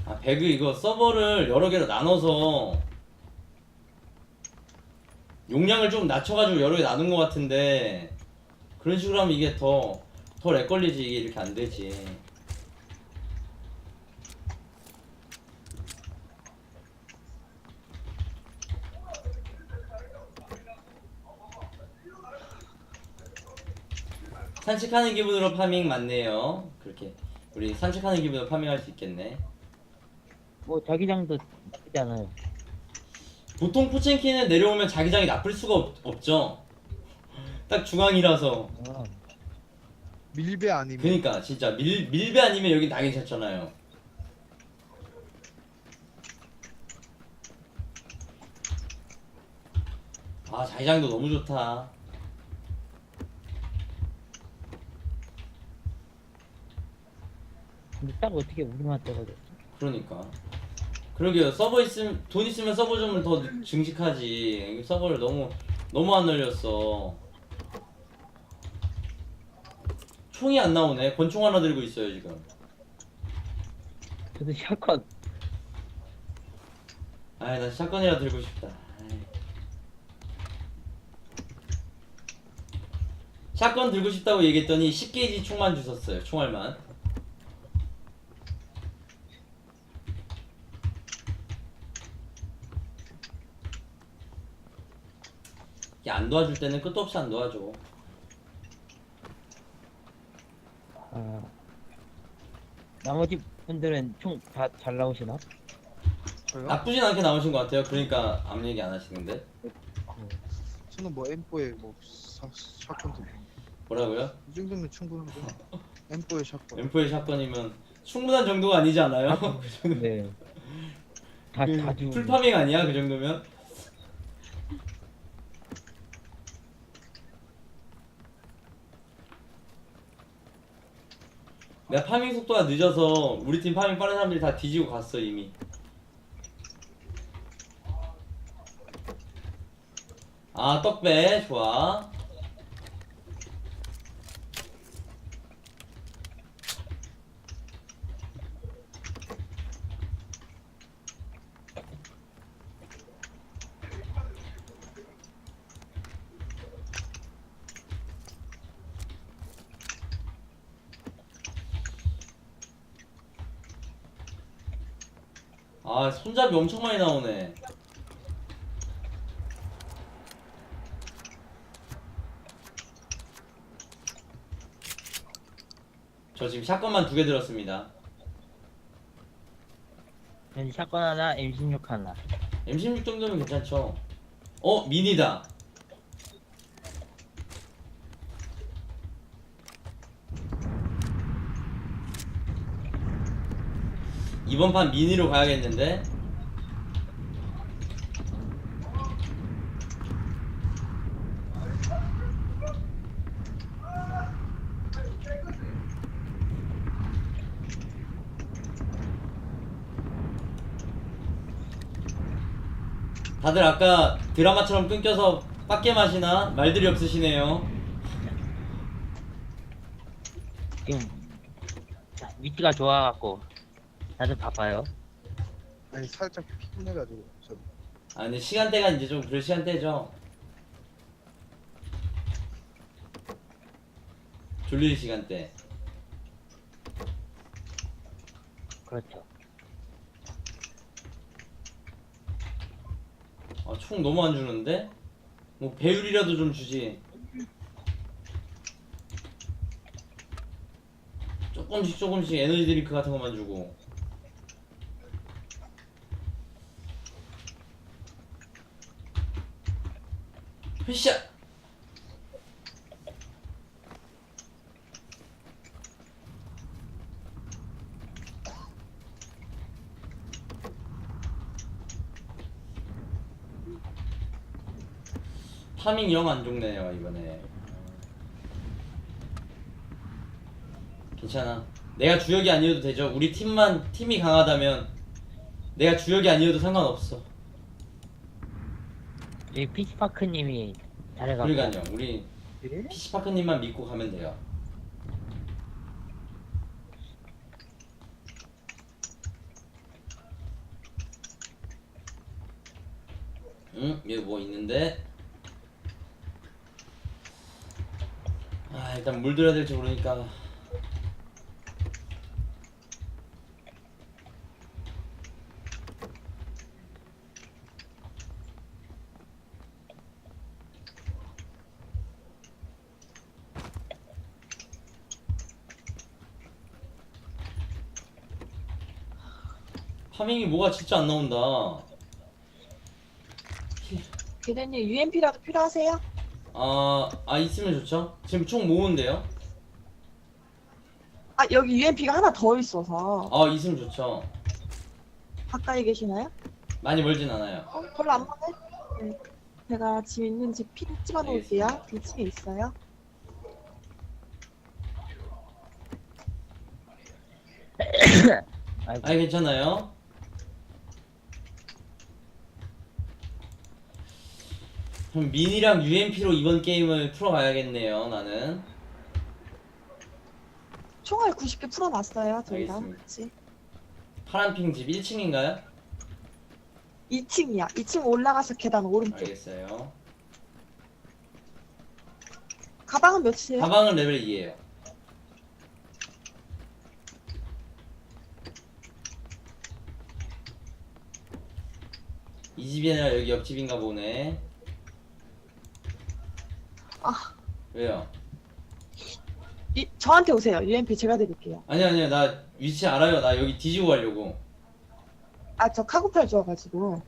아, 배그 이거 서버를 여러 개로 나눠서 용량을 좀 낮춰가지고 여러 개 나눈 것 같은데, 그런 식으로 하면 이게 더 렉 걸리지. 이게 이렇게 안 되지. 산책하는 기분으로 파밍 맞네요. 그렇게 우리 산책하는 기분으로 파밍할 수 있겠네. 뭐 자기장도 나쁘지 않아요. 보통 포첸키는 내려오면 자기장이 나쁠 수가 없죠. 딱 중앙이라서. 아, 밀배 아니면 그니까 진짜 밀배 아니면 여긴 다 괜찮잖아요. 아, 자기장도 너무 좋다. 근데 딱 어떻게 우리만 떨어졌지? 그러니까. 그러게요. 서버 있으면, 돈 있으면 서버 좀 더 증식하지. 서버를 너무 안 늘렸어. 총이 안 나오네. 권총 하나 들고 있어요 지금. 저도 샷건. 아이, 나 샷건이라 들고 싶다. 아이. 샷건 들고 싶다고 얘기했더니 10게이지 총만 주셨어요. 총알만. 이게 안 도와줄 때는 끝도 없이 안 도와줘. 아, 나머지 분들은 총 다 잘 나오시나? 저요? 나쁘진 않게 나오신 것 같아요. 그러니까 아무 얘기 안 하시는데. 저는 뭐 M4에 뭐 샷건도 뭐라고요? 이 정도면 충분한데 M4에 샷건 M4의 샷건이면 충분한 정도가 아니지 않아요? 네. 다 그 주고. 풀파밍 아니야? 그 정도면? 내가 파밍 속도가 늦어서 우리 팀 파밍 빠른 사람들이 다 뒤지고 갔어 이미. 아, 떡배 좋아. 아, 손잡이 엄청 많이 나오네. 저 지금 샷건만 2개 들었습니다. 저는 샷건 하나, M16 하나. M16 정도면 괜찮죠? 어? 미니다. 이번 판 미니로 가야겠는데? 다들 아까 드라마처럼 끊겨서 빡게 마시나? 말들이 없으시네요. 지금 위치가 좋아갖고 다들 바빠요. 아니 살짝 피곤해가지고 저 아, 근데 시간대가 이제 좀 그럴 시간대죠. 졸릴 시간대. 그렇죠. 아, 총 너무 안 주는데? 뭐 배율이라도 좀 주지. 조금씩 에너지 드링크 같은 것만 주고. 으쌰! 파밍 영 안 좋네요 이번에. 괜찮아. 내가 주역이 아니어도 되죠. 우리 팀이 강하다면 내가 주역이 아니어도 상관없어. 이 피시파크님이 잘해갖고. 그러니까요. 우리 네? PC파크님만 믿고 가면 돼요. 여기 뭐 있는데. 아, 일단 물 들어야 될지 모르니까. 파밍이 뭐가 진짜 안 나온다. 대대님 UMP라도 필요하세요? 있으면 좋죠. 지금 총 모은데요? 아 여기 UMP가 하나 더 있어서 있으면 좋죠. 가까이 계시나요? 많이 멀진 않아요. 별로 안 멀네. 네. 제가 지금 있는 집 핀 찍어놓을게요. 2층에 있어요. 아이고. 아니, 괜찮아요. 그럼 민이랑 UMP로 이번 게임을 풀어가야겠네요, 나는. 총알 90개 풀어놨어요. 저희랑 알겠습니다. 같이. 파란핑 집 1층인가요? 2층이야. 2층 올라가서 계단 오른쪽. 알겠어요. 가방은 몇이에요? 가방은 레벨 2에요. 이 집이 아니라 여기 옆집인가 보네. 아. 왜요? 저한테 오세요. UMP 제가 드릴게요. 아니요, 나 위치 알아요. 나 여기 뒤지고 가려고. 아 저 카고팔 좋아가지고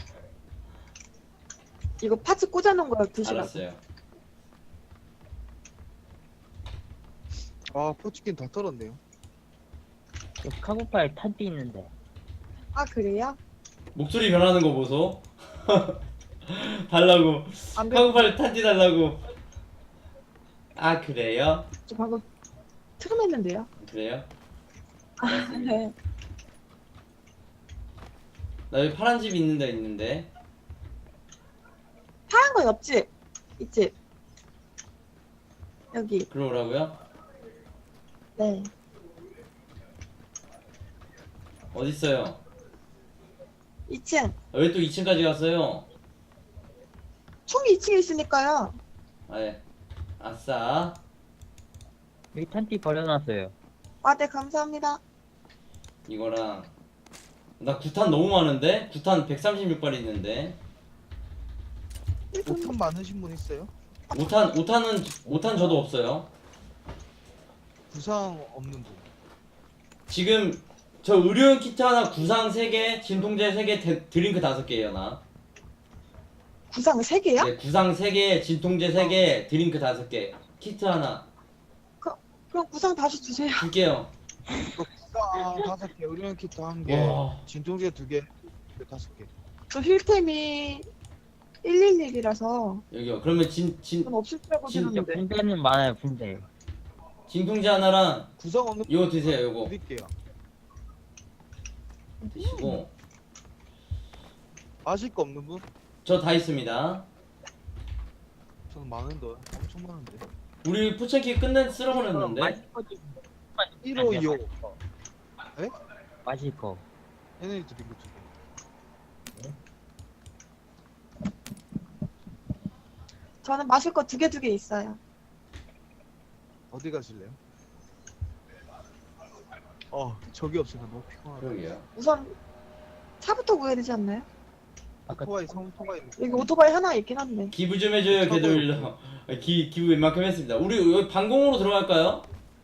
이거 파츠 꽂아놓은 거 드시라고. 알았어요. 아 포치킨 다 털었네요. 저 카고팔 탄띠 있는데. 아 그래요? 목소리 변하는 거 보소. 달라고. 안 그래. 카고팔 탄지 달라고. 아, 그래요? 저 방금 트름했는데요. 그래요? 네. 나 여기 파란 집 있는 데 있는데. 파란 거 옆집 이집 여기. 그러라고요? 네. 어딨어요? 2층. 왜 또 2층까지 갔어요? 총이 2층에 있으니까요. 예. 아싸. 여기 탄띠 버려놨어요. 아, 네, 감사합니다. 이거랑 나 구탄 너무 많은데? 구탄 136발 있는데. 5탄 많으신 분 있어요? 5탄 저도 없어요. 부상 없는 분. 지금 저 의료용 키트 하나, 구상 3개, 진통제 3개, 드링크 5개예요, 나. 구상 3개요? 네, 구상 3개, 진통제 3개, 드링크 5개. 키트 하나 그럼 구상 다시 주세요. 줄게요. 이거 부상 5개, 의료용 키트 1개, 와. 진통제 2개, 5개. 저 힐템이 111이라서 여기요. 그러면 전 없을 줄 알고 진- 진짜 들었는데. 군대는 많아요, 군대. 진통제 하나랑 부상 없는 분 이거 드세요, 요거. 드릴게요. 드시고. 마실 거 없는 분? 저 다 있습니다. 저는 많은데 엄청 많은데. 우리 포천키 쓸어버렸는데. 마실 거 좀. 152호. 마실 거. 에너지 드링크 2개. 저는 마실 거 2개 있어요. 어디 가실래요? 저기 없으니까 너무 피곤하다. 그러게요. 우선 차부터 구해야 되지 않나요? 아까 오토바이 성토바이 있는 여기 오토바이 하나 있긴 한데. 기부 좀 해줘요, 걔들. 기부 웬만큼 했습니다. 우리 여기 방공으로 들어갈까요?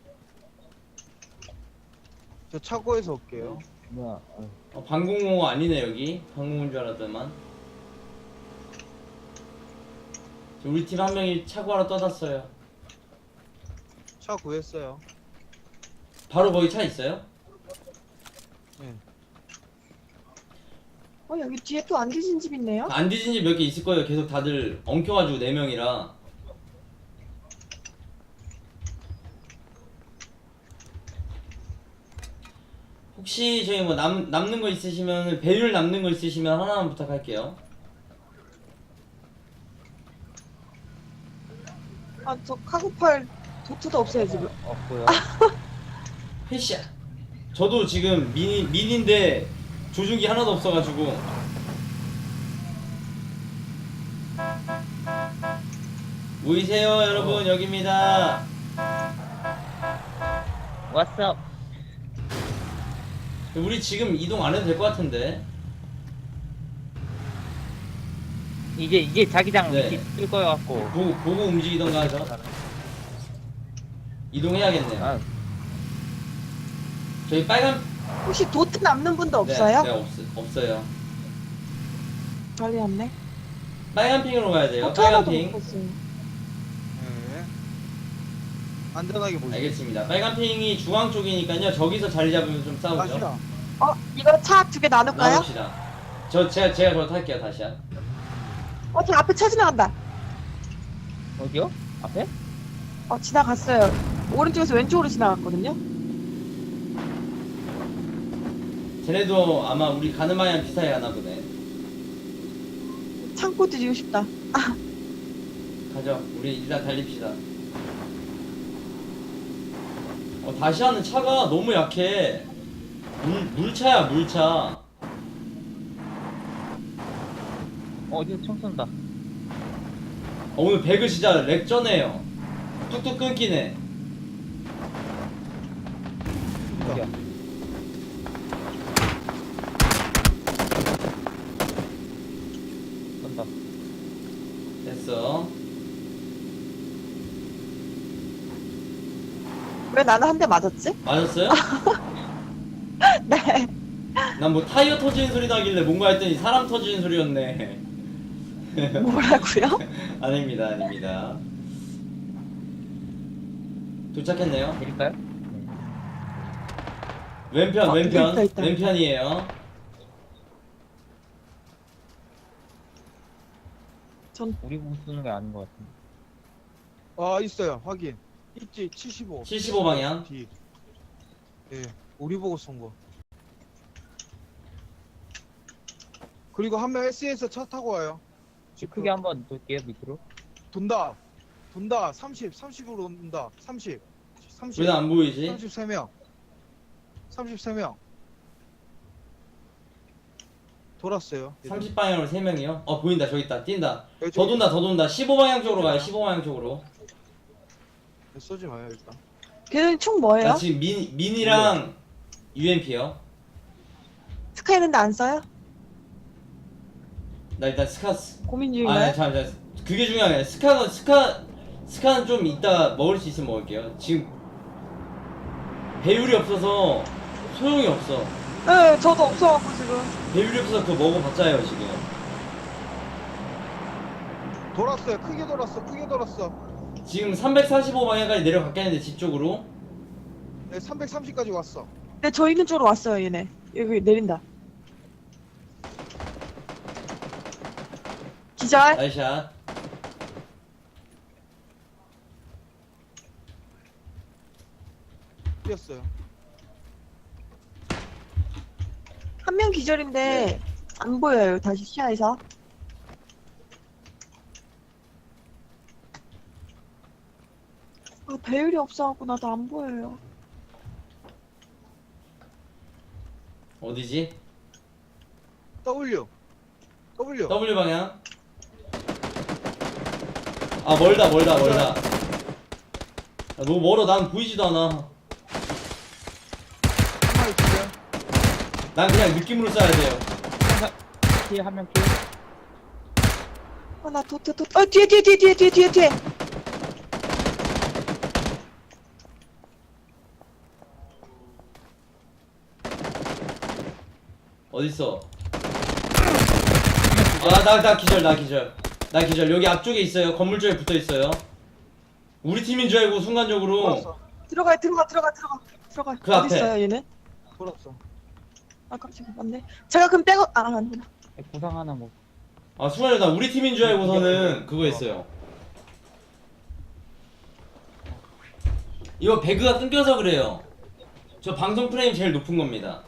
저 차고에서 올게요. 뭐야? 방공호 아니네, 여기. 방공호인 줄 알았더만. 우리 팀 한 명이 차고 하나 떠났어요. 차 구했어요. 바로 거기 차 있어요? 네. 여기 뒤에 또 안 뒤진 집 있네요. 안 뒤진 집 몇 개 있을 거예요. 계속 다들 엉켜가지고 4명이라. 혹시 저희 뭐 남는 거 있으시면, 배율 남는 거 있으시면 하나만 부탁할게요. 아, 저 카고팔 도트도 없어요, 지금. 없고요. 헤샤. 저도 지금 민인데 조준기 하나도 없어가지고. 보이세요 여러분? 여기입니다. 왔어. 우리 지금 이동 안 해도 될 것 같은데. 이제 자기장 네. 위치 뜰 거여 갖고. 보고 움직이던가 하죠. 이동해야겠네요. 아, 저희 빨간 혹시 도트 남는 분도 없어요? 네, 없어요. 빨리 왔네. 빨간 핑으로 가야 돼요. 도트 빨간 하나도 못 핑. 봤어요. 네. 안전하게 보시죠. 알겠습니다. 빨간 핑이 중앙 쪽이니까요. 저기서 자리 잡으면 좀 싸우죠. 다시야. 이거 차 두 개 나눌까요? 나눕시다. 제가 저 탈게요 다시야. 저 앞에 차 지나간다. 어디요? 앞에? 지나갔어요. 오른쪽에서 왼쪽으로 지나갔거든요. 쟤네도 아마 우리 가는 방향 비슷하게 가나 보네. 창고 뒤지고 싶다. 가죠. 우리 일단 달립시다. 다시아는 차가 너무 약해. 물차야 물차. 어디서 총 쏜다. 오늘 배그 진짜 렉전해요. 뚝뚝 끊기네. 어디야? 쏜다. 됐어. 왜 나는 한 대 맞았지? 맞았어요? 네. 난 뭐 타이어 터지는 소리 나길래 뭔가 했더니 사람 터지는 소리였네. 뭐라고요? 아닙니다. 도착했네요. 드릴까요? 왼편. 있다. 왼편이에요. 우리 보고 쏘는 게 아닌 것 같은데. 있어요. 확인. 있지. 75. 75 방향. 뒤. 예. 우리 보고 쏜 거. 그리고 한 명 SE에서 차 타고 와요. 크게 한번 돌게요 밑으로. 돈다. 30으로 온다. 30. 왜 안 보이지? 33명. 33명. 돌았어요. 30 방향으로 3명이요? 보인다. 저기 있다. 뛴다. 여기 더 돈다. 15 방향 쪽으로 가요. 15 방향 쪽으로. 쏘지 마요 일단. 걔는 총 뭐예요? 나 지금 미니랑 UMP요. 스카 있는데 안 써요? 나 일단 스카스. 고민 아, 중인가요? 잠깐. 그게 중요한 게 아니라 스카는 좀 이따 먹을 수 있으면 먹을게요. 지금 배율이 없어서 소용이 없어. 네, 저도 없어갖고 지금. 배율이 없어서 그거 먹어봤자요 지금. 돌았어요. 크게 돌았어. 지금 345 방향까지 내려갔겠는데 집 쪽으로. 네, 330까지 왔어. 네, 저 있는 쪽으로 왔어요, 얘네. 여기 내린다. 기절. 나이샷. 뛰었어요. 한 명 기절인데 안 보여요. 다시 시야에서. 배율이 없어갖고 나도 안 보여요. 어디지? W. W 방향. 멀다. 너무 멀어. 난 보이지도 않아. 한 마리 기절. 난 그냥 느낌으로 쏴야 돼요. 피해 한명 피해. 나 뒤에. 어딨어? 나 기절. 여기 앞쪽에 있어요. 건물 쪽에 붙어 있어요. 우리 팀인 줄 알고 순간적으로. 돌았어. 들어가. 그 앞에. 어디 있어요, 얘는? 돌았어. 깜짝이야, 맞네. 제가 그럼 빼고 아니구나. 구상 하나 먹. 순간에 나 우리 팀인 줄 알고서는 그거 했어요. 이거 배그가 끊겨서 그래요. 저 방송 프레임 제일 높은 겁니다.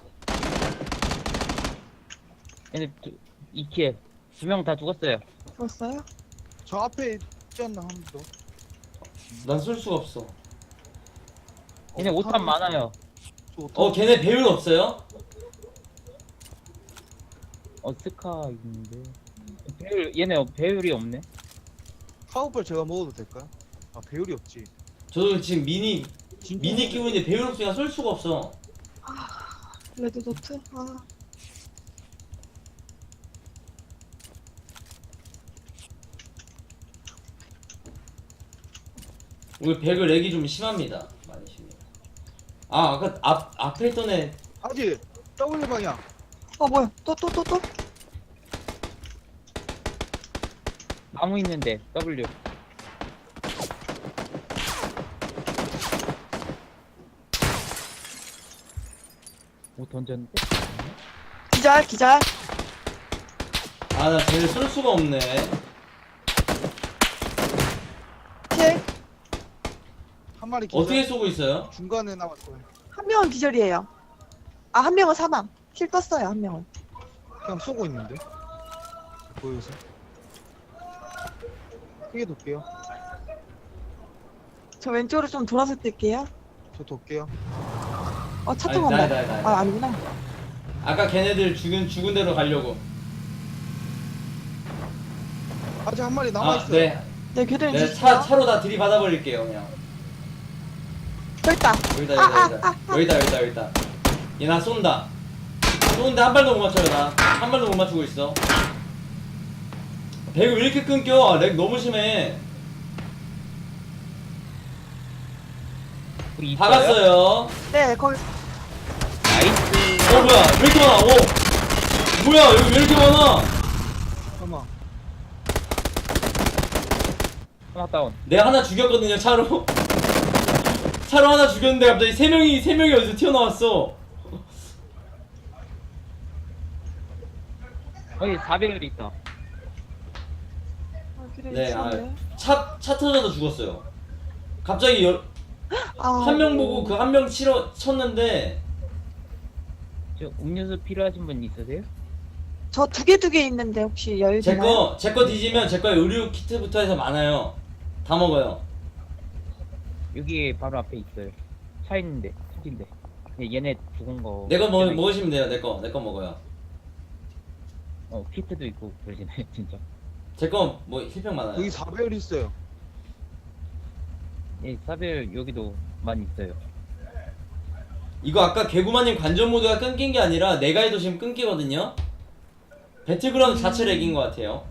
얘네 이키에 2명 다 죽었어요. 죽었어요? 저 앞에 있지 않나 한 번 더. 난 쏠 수가 없어. 얘네 오탄 많아요. 걔네 배율 없어요? 스카 있는데. 얘네 배율이 없네. 카우팔 제가 먹어도 될까요? 아 배율이 없지. 저도 지금 미니 진짜 끼고 있는데 배율 없으니까 쏠 수가 없어. 레드도트. 아, 오늘 배그 렉이 좀 심합니다. 많이 심해요. 아 아까 앞에 있던 애 아직 W 방향. 뭐야? 또? 나무 있는데 W. 뭐 던졌는데? 기절. 아 나 쟤를 쏠 수가 없네. 킬. 한 마리 기절. 어떻게 쏘고 있어요? 중간에 남았어요. 한 명은 기절이에요. 아, 한 명은 사망. 킬 떴어요, 한 명은. 그냥 쏘고 있는데. 보여서. 크게 돌게요. 저 왼쪽으로 좀 돌아서 뛸게요. 저 돌게요. 차 아니, 타고 간다. 나야. 아, 아니구나. 아까 걔네들 죽은 데로 가려고. 아직 한 마리 남아 아 있어요. 네. 네, 교대님 내가 주세요. 차로 다 들이받아 버릴게요 그냥. 여기 있다. 여기다. 얘 나 쏜다. 쏘는데 한 발도 못 맞춰요 나. 한 발도 못 맞추고 있어. 배그 왜 이렇게 끊겨? 렉 너무 심해. 거기 있어요? 박았어요. 네, 거기. 나이스. 뭐야 왜 이렇게 많아? 뭐야 여기 왜 이렇게 많아? 잠깐만. 하나 다운. 내가 하나 죽였거든요 차로. 차로 하나 죽였는데 갑자기 세 명이 어디서 튀어나왔어. 거기 4배율 있다. 교대님 네, 주세요. 차 터져서 죽었어요. 갑자기 한 명 보고 그 한 명 쳤는데 저 음료수 필요하신 분 있으세요? 저 두 개 있는데 혹시 여유 되나요? 제 거 뒤지면 제 거에 의류 키트부터 해서 많아요. 다 먹어요. 여기 바로 앞에 있어요. 차 있는데, 차인데. 얘네 죽은 거. 내 거 먹으시면 돼요. 내 거 먹어요. 키트도 있고 그러시네, 진짜. 제 거 뭐 힐팩 많아요. 여기 4배율 있어요. 예, 사벨 여기도 많이 있어요. 이거 아까 개구마님 관전 모드가 끊긴 게 아니라 내가 해도 지금 끊기거든요. 배틀그라운드 자체 렉인 것 같아요.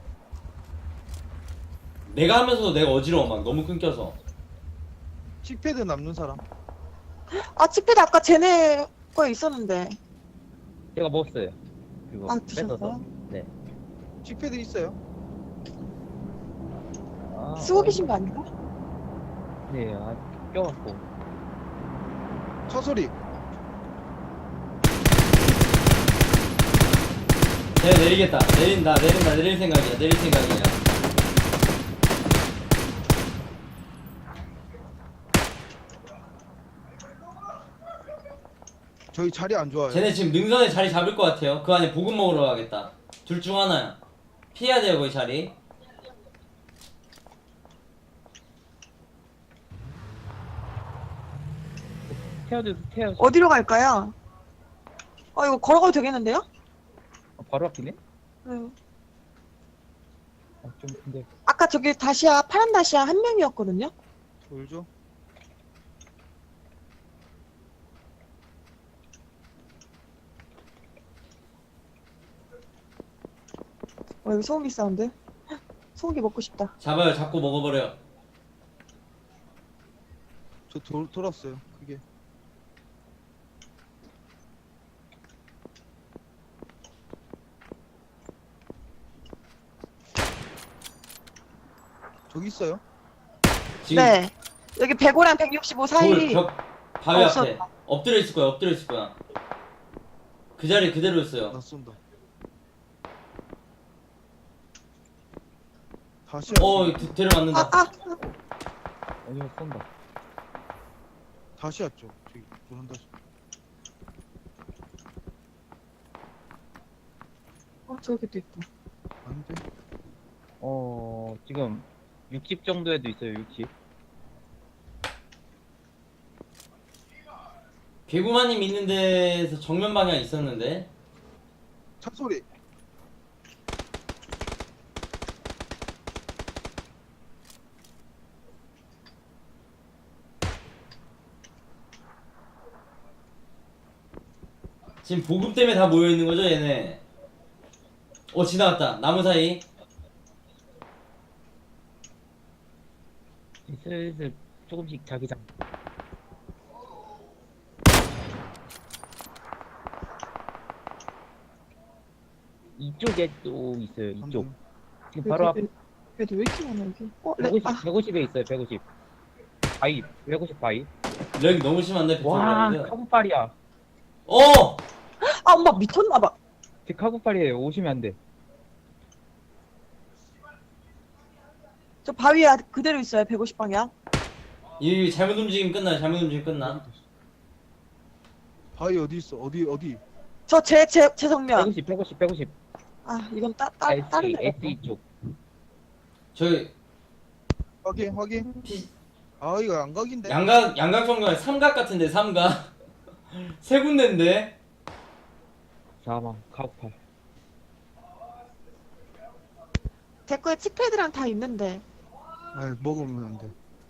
내가 하면서도 내가 어지러워 막 너무 끊겨서. 칙패드 남는 사람. 아, 치패드 아까 쟤네 거에 있었는데. 제가 먹었어요. 그거 아, 뺏어서. 드셨어요? 네. 칙패드 있어요. 쓰고 계신 거 아닌가? 네, 껴갖고. 차 소리. 내리겠다. 내릴 생각이야. 저희 자리 안 좋아요. 쟤네 지금 능선에 자리 잡을 것 같아요. 그 안에 보급 먹으러 가겠다. 둘 중 하나야. 피해야 돼요 거기 자리. 태워줘. 어디로 갈까요? 이거 걸어가도 되겠는데요? 바로 앞이네? 네. 좀 근데 아까 저기 파란 다시아 한 명이었거든요? 돌죠. 여기 소고기 사운드. 소고기 먹고 싶다. 잡아요. 잡고 먹어버려. 저 돌았어요. 그게. 저기 있어요. 지금 네. 여기 105랑 165 사이. 바위 없었다. 앞에 엎드려 있을 거야. 그 자리 그대로 있어요. 나 쏜다. 다시. 데려왔는다. 어디서 쏜다. 다시 왔죠. 저기 노란 다시. 저기도 있다. 아닌데. 지금 60 정도에도 있어요. 60. 개구마님 있는 데에서 정면 방향 있었는데. 차 소리. 지금 보급 때문에 다 모여있는 거죠 얘네. 지나갔다 나무 사이. 슬슬 조금씩 자기장. 이쪽에 또 있어요. 이쪽. 지금 바로 앞 그래도 왜 이렇게 많아 여기? 150, 150에 있어요. 150. 바위. 150 바위. 렉이 너무 심한데 와, 배틀그라운드. 카구팔이야. 아 엄마 미쳤나봐. 제 카구팔이에요. 오시면 안 돼. 저 바위에 그대로 있어요. 150방향. 이 잘못 움직이면 끝나. 잘못 움직이면 끝나. 바위 어디 있어? 어디? 저 제 정면. 150. 아 이건 다른 SE, 데가. SE 쪽. 저기 확인. 피, 아 이거 양각인데. 양각 정도가 삼각 같은데 삼각. 세 군데인데. 사망, 카구팔. 제 거에 칙패드랑 다 있는데. 아 먹으면 안 돼.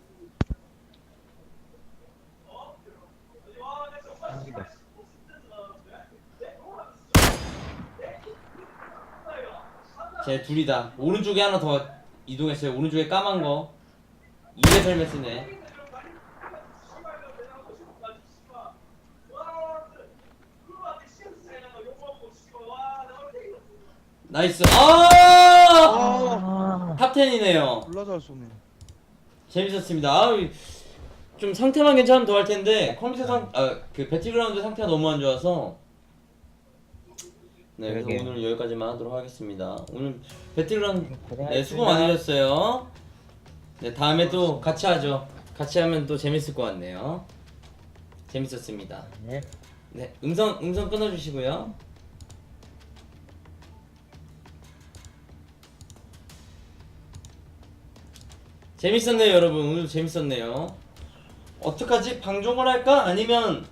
여기다. 제 둘이다. 오른쪽에 하나 더 이동했어요. 오른쪽에 까만 거. 2회 헬멧 쓰네. 나이스. 아, 탑10이네요. 졸라 잘 쏘네. 재밌었습니다. 좀 상태만 괜찮으면 더 할 텐데 컴퓨터 그 배틀그라운드 상태가 너무 안 좋아서. 네, 그래서 그러게요. 오늘 여기까지만 하도록 하겠습니다. 오늘 배틀그라운드 고생하셨습니다. 수고 많으셨어요. 네, 다음에 또 같이 하죠. 같이 하면 또 재밌을 것 같네요. 재밌었습니다. 네. 네, 음성 끊어주시고요. 재밌었네요, 여러분. 오늘 재밌었네요. 어떡하지? 방종을 할까? 아니면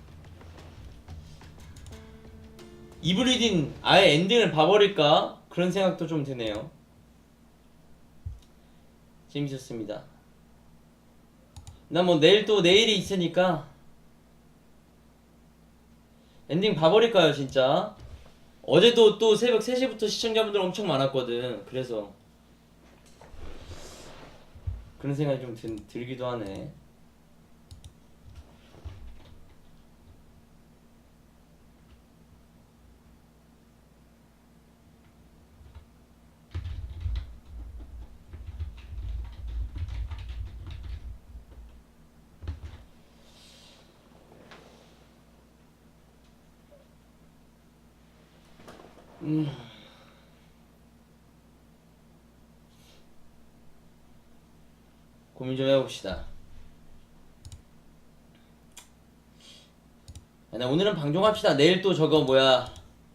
이브리딘 아예 엔딩을 봐버릴까? 그런 생각도 좀 드네요. 재밌었습니다. 나 뭐 내일이 있으니까 엔딩 봐버릴까요, 진짜? 어제도 또 새벽 3시부터 시청자분들 엄청 많았거든. 그래서 그런 생각이 좀 들기도 하네. 고민 좀 해봅시다. 오늘은 방종합시다. 내일 또 저거 뭐야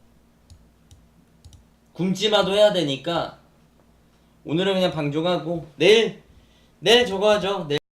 굶지마도 해야 되니까 오늘은 그냥 방종하고 내일 저거 하죠. 내일